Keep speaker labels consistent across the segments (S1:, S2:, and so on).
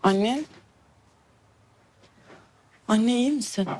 S1: Anne. Anne iyi misin?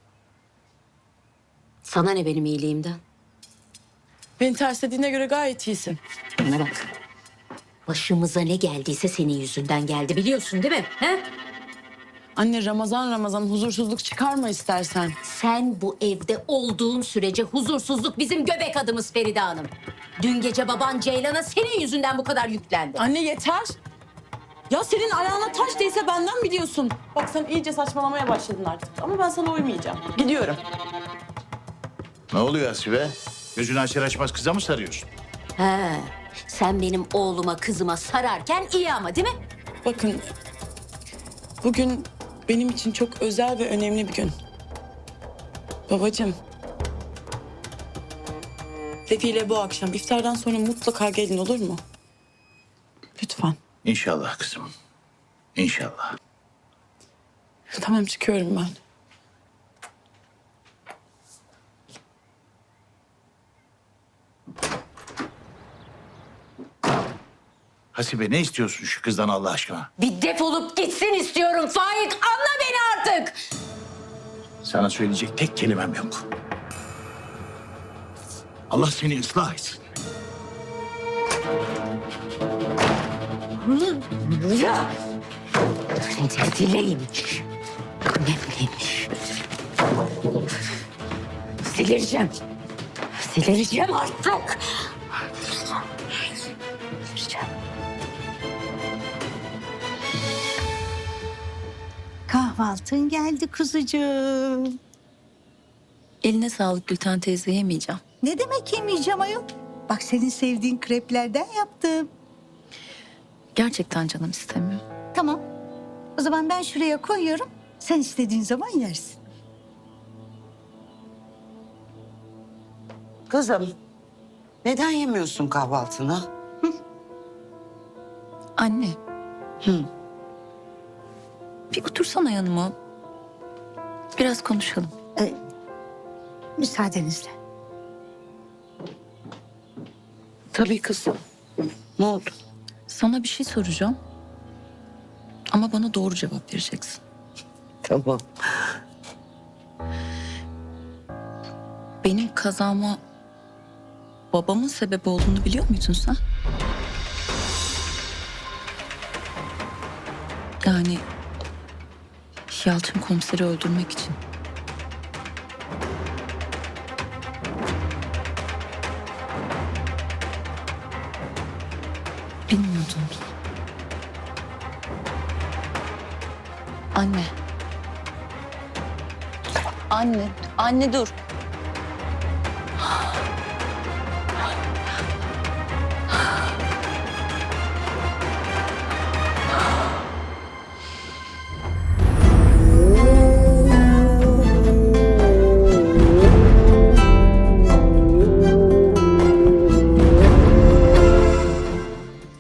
S2: Sana ne benim iyiliğimden?
S1: Beni terslediğine göre gayet iyisin.
S2: Bana bak. Başımıza ne geldiyse senin yüzünden geldi biliyorsun değil mi? He?
S1: Anne Ramazan huzursuzluk çıkarma istersen.
S2: Sen bu evde olduğun sürece huzursuzluk bizim göbek adımız Feride Hanım. Dün gece baban Ceylan'a senin yüzünden bu kadar yüklendi.
S1: Anne yeter. Ya senin ayağına taş değse benden biliyorsun. Bak sen iyice saçmalamaya başladın artık. Ama ben sana uymayacağım. Gidiyorum.
S3: Ne oluyor Asibe? Gözünü açar açmaz kıza mı sarıyorsun?
S2: He, sen benim oğluma kızıma sararken iyi ama değil mi?
S1: Bakın bugün benim için çok özel ve önemli bir gün. Babacığım. Defile bu akşam iftardan sonra mutlaka gelin olur mu? Lütfen.
S3: İnşallah kızım. İnşallah.
S1: Tamam çıkıyorum ben.
S3: Hasibe ne istiyorsun şu kızdan Allah aşkına?
S2: Bir defolup gitsin istiyorum Faik. Anla beni artık.
S3: Sana söyleyecek tek kelimem yok. Allah seni ıslah etsin.
S2: Ya. Ne dileymiş. Ne bileymiş. Silireceğim. Silireceğim artık. Silireceğim.
S4: Kahvaltın geldi kuzucuğum.
S5: Eline sağlık Gülten teyze, yemeyeceğim.
S4: Ne demek yemeyeceğim ayol? Bak senin sevdiğin kreplerden yaptım.
S5: Gerçekten canım istemiyor.
S4: Tamam. O zaman ben şuraya koyuyorum. Sen istediğin zaman yersin.
S6: Kızım, neden yemiyorsun kahvaltını?
S5: Anne. Bir otursana yanıma. Biraz konuşalım.
S4: Müsaadenizle.
S6: Tabii kızım. Ne oldu?
S5: Sana bir şey soracağım. Ama bana doğru cevap vereceksin.
S6: Tamam.
S5: Benim kazama babamın sebep olduğunu biliyor muydun sen? Yani Yalçın komiseri öldürmek için. Bilmiyordun. Anne. Anne dur.